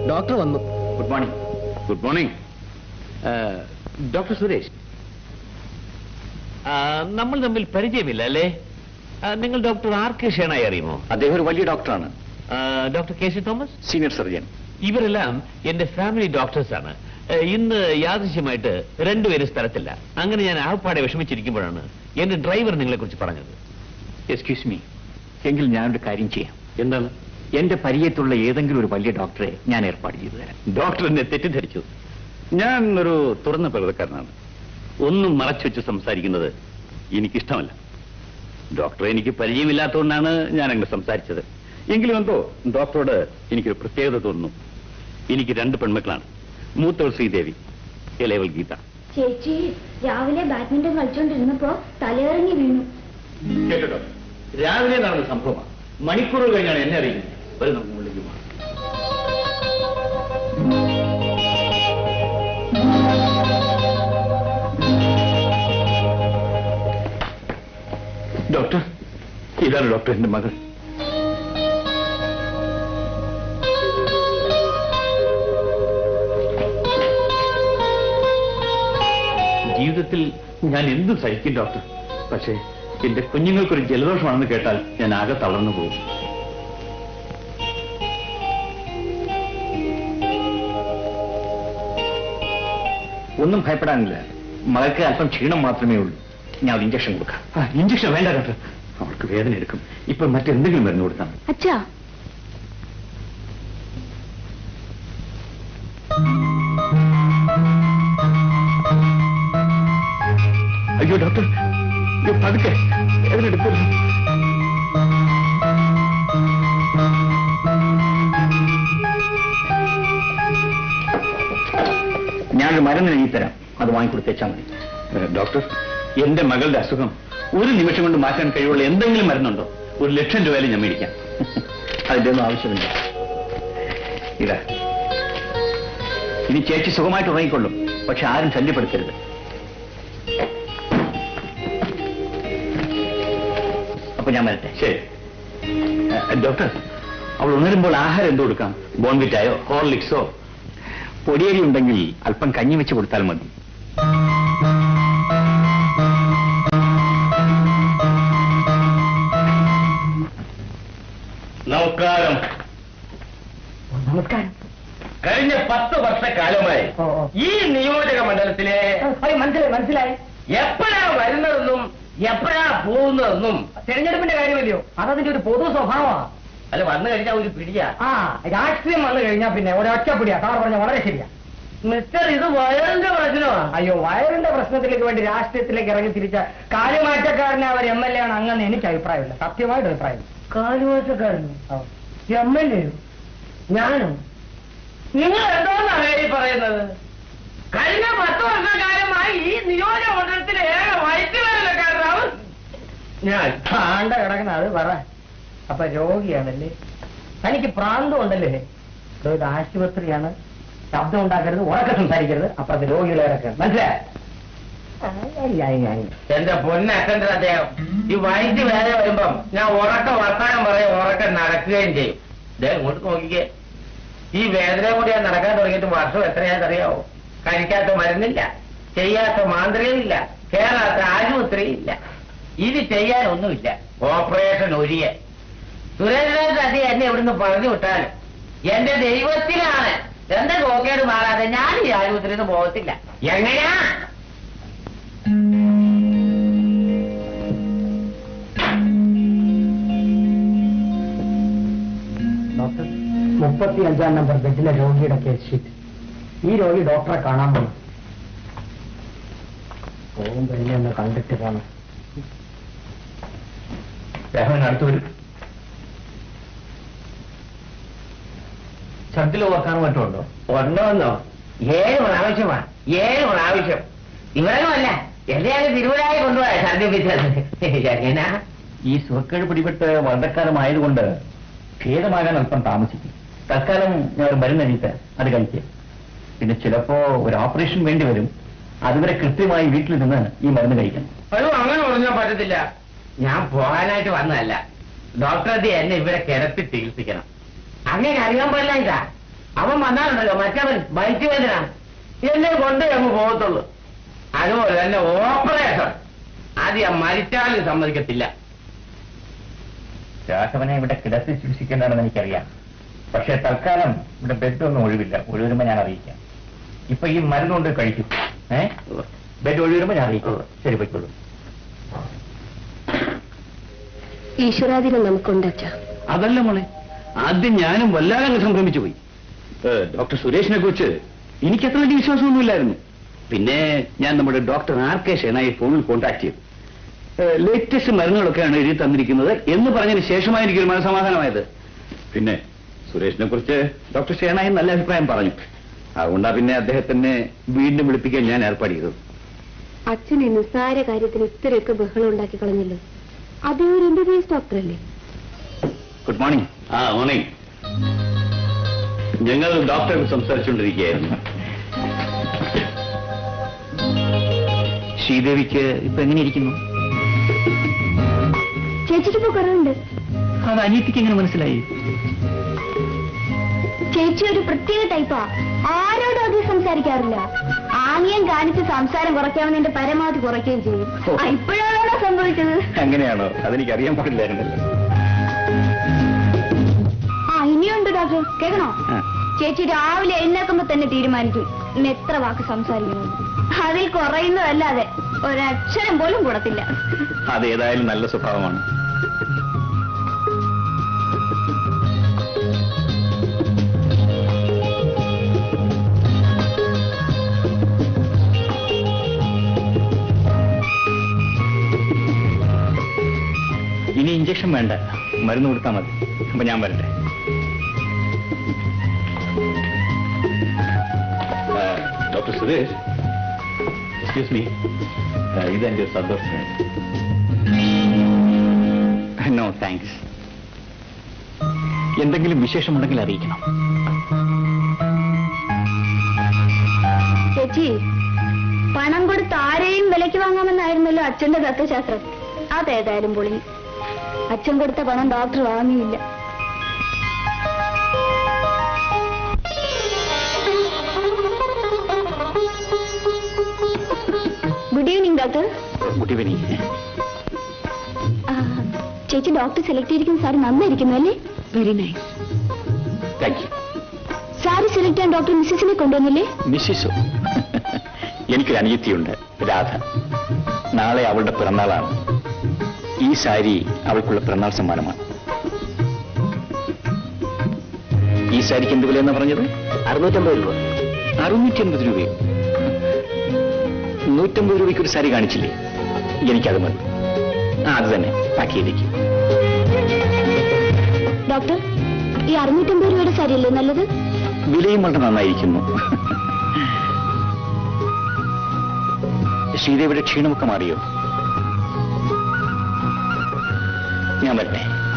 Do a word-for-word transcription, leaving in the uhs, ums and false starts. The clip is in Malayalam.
ഡോക്ടർ വന്നു. Good morning. Good morning. Doctor Suresh, നമ്മൾ തമ്മിൽ പരിചയമില്ല അല്ലേ? നിങ്ങൾ ഡോക്ടർ ആർ കെ ഷേണായി അറിയുമോ? അദ്ദേഹം ഒരു വലിയ ഡോക്ടറാണ്. Doctor K C Thomas, senior surgeon. ഇവരെല്ലാം എന്റെ ഫാമിലി ഡോക്ടേഴ്സാണ്. ഇന്ന് യാദൃശ്യമായിട്ട് രണ്ടുപേരും സ്ഥലത്തില്ല. അങ്ങനെ ഞാൻ ആപ്പാടെ വിഷമിച്ചിരിക്കുമ്പോഴാണ് എന്റെ ഡ്രൈവർ നിങ്ങളെ കുറിച്ച് പറഞ്ഞത്. എക്സ്ക്യൂസ് മീ, എങ്കിൽ ഞാനൊരു കാര്യം ചെയ്യാം. എന്താണ്? എന്റെ പരിചയത്തുള്ള ഏതെങ്കിലും ഒരു വലിയ ഡോക്ടറെ ഞാൻ ഏർപ്പാട് ചെയ്തു തരാം. ഡോക്ടർ എന്നെ തെറ്റിദ്ധരിച്ചു. ഞാൻ ഒരു തുറന്ന പ്രകൃതക്കാരനാണ്. ഒന്നും മറച്ചു വെച്ച് സംസാരിക്കുന്നത് എനിക്കിഷ്ടമല്ല. ഡോക്ടറെ എനിക്ക് പരിചയമില്ലാത്തതുകൊണ്ടാണ് ഞാൻ അങ്ങനെ സംസാരിച്ചത്. എങ്കിലും എന്തോ ഡോക്ടറോട് എനിക്കൊരു പ്രത്യേകത തോന്നുന്നു. എനിക്ക് രണ്ട് പെൺമക്കളാണ്. മൂത്തവൾ ശ്രീദേവി, ഇളയവൾ ഗീത. ചേച്ചി രാവിലെ ബാഡ്മിന്റൺ കളിച്ചോണ്ടിരുന്നപ്പോ തലയിറങ്ങി വീണു. കേട്ടോ, രാവിലെ നടന്ന സംഭവമാണ്. മണിക്കൂറുകൾ കഴിഞ്ഞാണ് എന്നെ അറിയുന്നത്. ഒരു നമുക്ക് മുകളിലേക്ക് പോകാം. ഡോക്ടർ, ഇതാണ് ഡോക്ടർ, എന്റെ മകൾ. ജീവിതത്തിൽ ഞാൻ എന്തും സഹിക്കും ഡോക്ടർ. പക്ഷേ എന്റെ കുഞ്ഞുങ്ങൾക്കൊരു ജലദോഷമാണെന്ന് കേട്ടാൽ ഞാൻ ആകെ തളർന്നു പോകും. ഒന്നും ഭയപ്പെടാനില്ല. മകൾക്ക് അല്പം ക്ഷീണം മാത്രമേ ഉള്ളൂ. ഞാൻ ഒരു ഇഞ്ചക്ഷൻ കൊടുക്കാം. ഇഞ്ചക്ഷൻ വേണ്ട ഡോക്ടർ, അവൾക്ക് വേദന എടുക്കും. ഇപ്പൊ മറ്റെന്തെങ്കിലും മരുന്ന് കൊടുത്താൽ. അച്ഛാ, അയ്യോ ഡോക്ടർ, പതുക്കെ, വേദന എടുക്കരുത്. ഞാനൊരു മരുന്ന് എഴുതി തരാം, അത് വാങ്ങിക്കൊടുത്തേച്ചാൽ മതി. ഡോക്ടർ, എന്റെ മകളുടെ അസുഖം ഒരു നിമിഷം കൊണ്ട് മാറ്റാൻ കഴിവുള്ള എന്തെങ്കിലും മരുന്നുണ്ടോ? ഒരു ലക്ഷം രൂപയിലും ഞാൻ മേടിക്കാം. അതിന്റെ ഒന്നും ആവശ്യമില്ല. ഇതാ, ഇനി ചേച്ചി സുഖമായിട്ട് ഉറങ്ങിക്കൊള്ളും. പക്ഷെ ആരും ശല്യപ്പെടുത്തരുത്. അപ്പൊ ഞാൻ വരട്ടെ. ശരി ഡോക്ടർ, അവൾ ഉണരുമ്പോൾ ആഹാരം എന്ത് കൊടുക്കാം? ബോൺവിറ്റായോ ഹോർലിക്സോ? പൊടിയരി ഉണ്ടെങ്കിൽ അല്പം കഞ്ഞി വെച്ച് കൊടുത്താൽ മതി. നമസ്കാരം. നമസ്കാരം. കഴിഞ്ഞ പത്ത് വർഷക്കാലമായി ഈ നിയോജക മണ്ഡലത്തിലെ മനസ്സിലായി മനസ്സിലായി എപ്പോഴാ വരുന്നതെന്നും എപ്പോഴാ പോകുന്നതെന്നും തെരഞ്ഞെടുപ്പിന്റെ കാര്യമല്ലയോ? അതതിന്റെ ഒരു പൊതു സ്വഭാവമാണ്. അല്ല, വന്നു കഴിഞ്ഞാൽ ഒരു പിടിയാ. ആ, രാഷ്ട്രീയം വന്നു കഴിഞ്ഞാൽ പിന്നെ ഒരൊറ്റ പിടിയാ. സാർ പറഞ്ഞ വളരെ ശരിയാ. മിസ്റ്റർ, ഇത് വയറിന്റെ പ്രശ്നമാണ്. അയ്യോ, വയറിന്റെ പ്രശ്നത്തിലേക്ക് വേണ്ടി രാഷ്ട്രീയത്തിലേക്ക് ഇറങ്ങി തിരിച്ച കാലുമാറ്റക്കാരനെ അവർ എം എൽ എ ആണ് അങ്ങനെ എനിക്ക് അഭിപ്രായമില്ല. സത്യമായിട്ട് അഭിപ്രായം. കാലുമാറ്റക്കാരനോ? എം എൽ എയോ? ഞാനോ? നിങ്ങൾ എന്തോന്നാണ് ഈ പറയുന്നത്? കഴിഞ്ഞ പത്ത് വർഷക്കാലമായി ഈ നിയോജക മണ്ഡലത്തിലെ ഏക വൈദ്യുതകാരനാവും ഞാൻ. ആണ്ട കിടക്കുന്ന അത് പറ. അപ്പൊ രോഗിയാണല്ലേ? തനിക്ക് പ്രാന്തം ഉണ്ടല്ലേ? ഇത് ആശുപത്രിയാണ്. ശബ്ദം ഉണ്ടാക്കരുത്, ഉറക്കെ സംസാരിക്കരുത്. അപ്പൊ അത് രോഗികളെ ഇറക്കണം. മനസ്സിലായി? എന്റെ പൊന്നക്കണ്ട അദ്ദേഹം ഈ വൈദ്യുതി വേറെ വരുമ്പം ഞാൻ ഉറക്ക വർത്താനം പറയും, ഉറക്ക നടക്കുകയും ചെയ്യും. ഇദ്ദേഹം ഇങ്ങോട്ട് നോക്കിക്കേ. ഈ വേദന കൂടി ഞാൻ നടക്കാൻ തുടങ്ങിയിട്ട് വർഷം എത്രയാണെന്നറിയാവോ? കഴിക്കാത്ത മരുന്നില്ല, ചെയ്യാത്ത മാന്ത്രികയില്ല, കേറാത്ത ആശുപത്രിയില്ല. ഇത് ചെയ്യാനൊന്നുമില്ല. ഓപ്പറേഷൻ ഒഴിയെ സുരേന്ദ്രൻ അതി എന്നെ ഇവിടുന്ന് പറഞ്ഞു വിട്ടാലും എന്റെ ദൈവത്തിലാണ് എന്റെ നോക്കേട് മാറാതെ ഞാൻ ഈ ആശുപത്രിയിൽ നിന്ന് പോകത്തില്ല. എങ്ങനെയാ? ഡോക്ടർ, മുപ്പത്തി അഞ്ചാം നമ്പർ ബെഡിലെ രോഗിയുടെ കേസ് ഷീറ്റ്. ഈ രോഗി ഡോക്ടറെ കാണാൻ പോകണം. പോകുമ്പോ എന്നെ ഒന്ന് കണ്ടിട്ട് പോകണം. രാഘവൻ അടുത്ത് വരും. ഛർദിലോ ഓർക്കാനോ മറ്റോ ഉണ്ടോ? ഉണ്ടോന്നോ? ഏഴ് പ്രാവശ്യമാണ്. ഏഴ് പ്രാവശ്യം. ഇവരൊന്നുമല്ല, എന്നെയാണ് തിരുവനായി കൊണ്ടുപോയ ഛർദിപ്പിച്ചത്. എങ്ങനാ? ഈ സുഖക്കേട് പിടിപെട്ട് വളരെക്കാലമായതുകൊണ്ട് ഭേദമാകാൻ അല്പം താമസിക്കും. തൽക്കാലം ഞാൻ ഒരു മരുന്ന് എഴുതിയിട്ട് അത് കഴിക്കുക. പിന്നെ ചിലപ്പോ ഒരു ഓപ്പറേഷൻ വേണ്ടി വരും. അതുവരെ കൃത്യമായി വീട്ടിൽ നിന്ന് ഈ മരുന്ന് കഴിക്കണം. അയ്യോ, അങ്ങനെ പറഞ്ഞാൽ പറ്റത്തില്ല. ഞാൻ പോകാനായിട്ട് വന്നതല്ല. ഡോക്ടർ എന്നെ ഇവിടെ കിടത്തി ചികിത്സിക്കണം. അങ്ങനെ അറിയാൻ പാടില്ല. ഇതാ അവൻ വന്നാലുണ്ടല്ലോ മറ്റവൻ ബൈക്ക് വേദന എന്നെ കൊണ്ടേ അങ്ങ് പോകത്തുള്ളൂ. അതുപോലെ തന്നെ ഓപ്പറേഷൻ അത് ഞാൻ മരിച്ചാലും സമ്മതിക്കത്തില്ല. രാഘവനെ ഇവിടെ കിടത്തി ചികിത്സിക്കേണ്ടതാണെന്ന് എനിക്കറിയാം. പക്ഷെ തൽക്കാലം ഇവിടെ ബെഡൊന്നും ഒഴിവില്ല. ഒഴിവരുമ്പോ ഞാൻ അറിയിക്കാം. ഇപ്പൊ ഈ മരുന്നുകൊണ്ട് കഴിക്കും. ഏ ബെഡ് ഒഴിവരുമ്പോ ഞാൻ അറിയിക്കും. ശരി, പോയിക്കോളൂ. ഈശ്വരാധീനം നമുക്കുണ്ടച്ച. അതല്ല മോളെ, ആദ്യം ഞാനും വല്ലാതെ സംഭ്രമിച്ചു പോയി. ഡോക്ടർ സുരേഷിനെ കുറിച്ച് എനിക്ക് അത്ര വലിയ വിശ്വാസമൊന്നുമില്ലായിരുന്നു. പിന്നെ ഞാൻ നമ്മുടെ ഡോക്ടർ ആർ കെ ഷെനായി ഫോണിൽ കോൺടാക്ട് ചെയ്തു. ലേറ്റസ്റ്റ് മരുന്നുകളൊക്കെയാണ് എഴുതി തന്നിരിക്കുന്നത് എന്ന് പറഞ്ഞതിന് ശേഷമായി എനിക്കൊരു മനസ്സമാധാനമായത്. പിന്നെ സുരേഷിനെ കുറിച്ച് ഡോക്ടർ ഷെനായി നല്ല അഭിപ്രായം പറഞ്ഞു. അതുകൊണ്ടാ പിന്നെ അദ്ദേഹത്തിനെ വീണ്ടും വിളിപ്പിക്കാൻ ഞാൻ ഏർപ്പാട് ചെയ്തത്. അച്ഛൻ ഈ നിസ്സാര കാര്യത്തിന് ഇത്രയൊക്കെ ബഹളം ഉണ്ടാക്കി കളഞ്ഞല്ലോ. അതേ ഒരു എം ബി ബി എസ് ഡോക്ടറല്ലേ? Good morning. ആ മോർണിംഗ്. ഞങ്ങൾ ഡോക്ടറെ സംസാരിച്ചുകൊണ്ടിരിക്കുകയായിരുന്നു. ശ്രീദേവിക്ക് ഇപ്പൊ എങ്ങനെയിരിക്കുന്നു? ചേച്ചിക്ക് ഇപ്പൊ കുറവുണ്ട്. അത് അനിയത്തിക്ക് എങ്ങനെ മനസ്സിലായി? ചേച്ചി ഒരു പ്രത്യേക ടൈപ്പാ. ആരോടും അധികം സംസാരിക്കാറില്ല. ആംഗ്യം കാണിച്ച് സംസാരം കുറയ്ക്കാമെന്നെ പരമാവധി കുറയ്ക്കുകയും ചെയ്യും. ഇപ്പോഴാണോ സംഭവിച്ചത്? അങ്ങനെയാണോ? അതെനിക്ക് അറിയാൻ പാടില്ലായിരുന്നല്ലോ. ആ ഇനിയുണ്ട് ഡോക്ടർ, കേൾക്കണോ? ചേച്ചി രാവിലെ എഴുന്നേക്കുമ്പോ തന്നെ തീരുമാനിക്കും ഇന്ന് എത്ര വാക്ക് സംസാരിക്കണമെന്ന്. അതിൽ കുറയുന്നതല്ലാതെ ഒരക്ഷരം പോലും കൂടത്തില്ല. അതേതായാലും നല്ല സ്വഭാവമാണ്. ഇനി ഇഞ്ചക്ഷൻ വേണ്ട, മരുന്ന് കൊടുത്താൽ മതി. അപ്പൊ ഞാൻ വരട്ടെ. ഡോക്ടർ സുരേഷ്, എക്സ്ക്യൂസ് മീ, ഇതെന്റെ സന്തോഷം. No thanks. എന്തെങ്കിലും വിശേഷമുണ്ടെങ്കിൽ അറിയിക്കണം. ചേച്ചി, പണം കൊടുത്ത് ആരെയും വിലയ്ക്ക് വാങ്ങാമെന്നായിരുന്നല്ലോ അച്ഛന്റെ തത്വശാസ്ത്രം. അതേതായാലും പൊളി. അച്ഛൻ കൊടുത്ത പണം ഡോക്ടർ വാങ്ങിയില്ല. Good evening doctor. Good evening. ചേച്ചി ഡോക്ടർ സെലക്ട് ചെയ്തിരിക്കുന്ന സാരി നന്നായിരിക്കുന്നു അല്ലേ? Very nice. Thank you. Sari select ചെയ്യാൻ ഡോക്ടർ മിസ്സിസിനെ കൊണ്ടുവന്നില്ലേ? മിസ്സിസോ? എനിക്കൊരു അനിയത്തിയുണ്ട്, രാധ. നാളെ അവളുടെ പിറന്നാളാണ്. ഈ സാരി അവൾക്കുള്ള പിറന്നാൾ സമ്മാനമാണ്. ഈ സാരിക്ക് എന്ത് വിലയെന്നാ പറഞ്ഞത്? അറുന്നൂറ്റമ്പത് രൂപ. അറുന്നൂറ്റി അൻപത് രൂപയോ? നൂറ്റമ്പത് രൂപയ്ക്ക് ഒരു സാരി കാണിച്ചില്ലേ? എനിക്കത് മതി. ആ അത് തന്നെ പാക്ക് ചെയ്തേക്ക്. ഡോക്ടർ, ഈ അറുന്നൂറ്റമ്പത് രൂപയുടെ സാരിയല്ലേ നല്ലത്? വിലയും വളരെ നന്നായിരിക്കുന്നു. ശ്രീദേവിയുടെ ക്ഷീണമൊക്കെ മാറിയോ? ഞാൻ വരട്ടെ.